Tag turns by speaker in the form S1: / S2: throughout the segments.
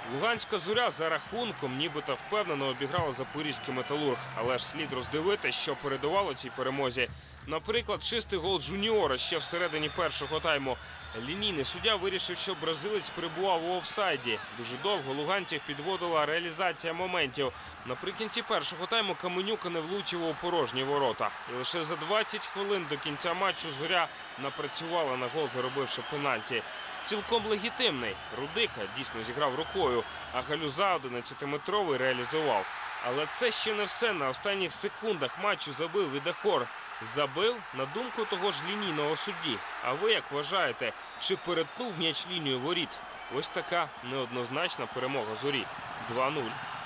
S1: Луганська «Зоря» за рахунком нібито впевнено обіграла запорізький «Металург». Але ж слід роздивити, що передувало цій перемозі. Наприклад, чистий гол Жуніора ще всередині першого тайму. Лінійний суддя вирішив, що бразилець перебував у офсайді. Дуже довго луганців підводила реалізація моментів. Наприкінці першого тайму Каменюка не влучив у порожні ворота. І лише за 20 хвилин до кінця матчу «Зоря» напрацювала на гол, заробивши пенальті. Цілком легітимний. Рудика дійсно зіграв рукою, а Галюза 11-метровий реалізував. Але це ще не все. На останніх секундах матчу забив Відахор. Забив на думку того ж лінійного судді. А ви як вважаєте, чи перетнув м'яч лінію воріт? Ось така неоднозначна перемога «Зорі». 2-0.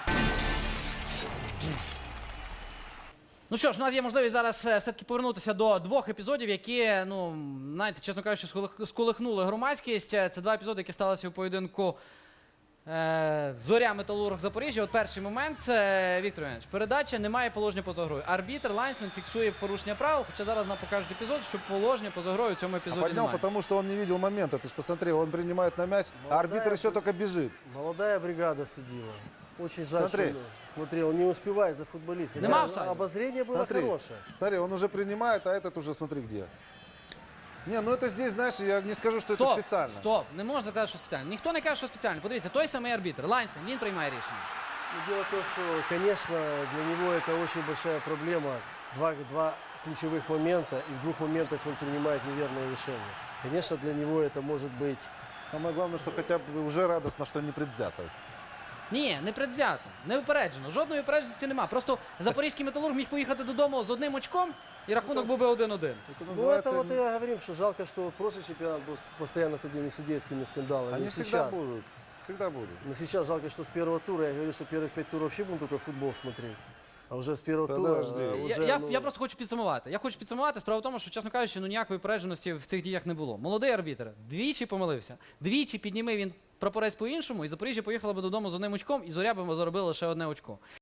S2: Ну що ж, у нас є можливість зараз все-таки повернутися до двох епізодів, які, знаєте, чесно кажучи, сколихнули громадськість. Це два епізоди, які сталися у поєдинку «Зоря», «Металург», Запоріжжя. От перший момент, Віктор Іванович, передача, немає положення поза грою. Арбітр, лайнсмен фіксує порушення правил, хоча зараз нам покажуть епізод, що положення поза грою в цьому епізоді
S3: поднял,
S2: немає.
S3: потому что он не видел момента. Ты же посмотри, он принимает на мяч, а арбитр еще только бежит.
S4: Молодая бригада судила. Очень жаль,
S3: Смотри.
S4: что смотри, он не успевает за футболистом.
S2: Нема офсайда.
S4: Обозрение было
S3: Смотри,
S4: хорошее.
S3: смотри, он уже принимает, а этот уже смотри где. Не, ну это здесь, знаешь, я не скажу, что это специально.
S2: Стоп, не можна сказати, що спеціально. Ніхто не каже, що спеціально. Подивіться, той самий арбітр, лайнсмен, він приймає рішення.
S4: Но дело в том, что, конечно, для него это очень большая проблема. Два ключевых момента, и в двух моментах он принимает неверное решение. Конечно, для него это может быть...
S3: Самое главное, что хотя бы уже радостно, что не предвзято.
S2: Ні, не предвзято, не випереджено. Жодної випередженості нема. Просто запорізький «Металург» міг поїхати додому з одним очком, і рахунок був би 1-1.
S3: Это
S4: Ну,
S3: называется...
S4: это вот и я говорил, что жалко, что прошлый чемпионат был постоянно с этими судейскими скандалами.
S3: Они
S4: И
S3: всегда
S4: сейчас.
S3: будут. Всегда будут.
S4: Но сейчас жалко, что с первого тура, я говорю, что первых 5 туров вообще будем только футбол смотреть. А вже з першого тура
S3: Подожди.
S4: уже,
S2: Я просто хочу підсумувати. Я хочу підсумувати. Справа в тому, що, чесно кажучи, ніякої випередженості в цих діях не було. Молодий арбітр двічі помилився. Двічі підніми він прапорець по-іншому, і Запоріжжя поїхало би додому з одним очком, і «Зоря» би заробила лише одне очко.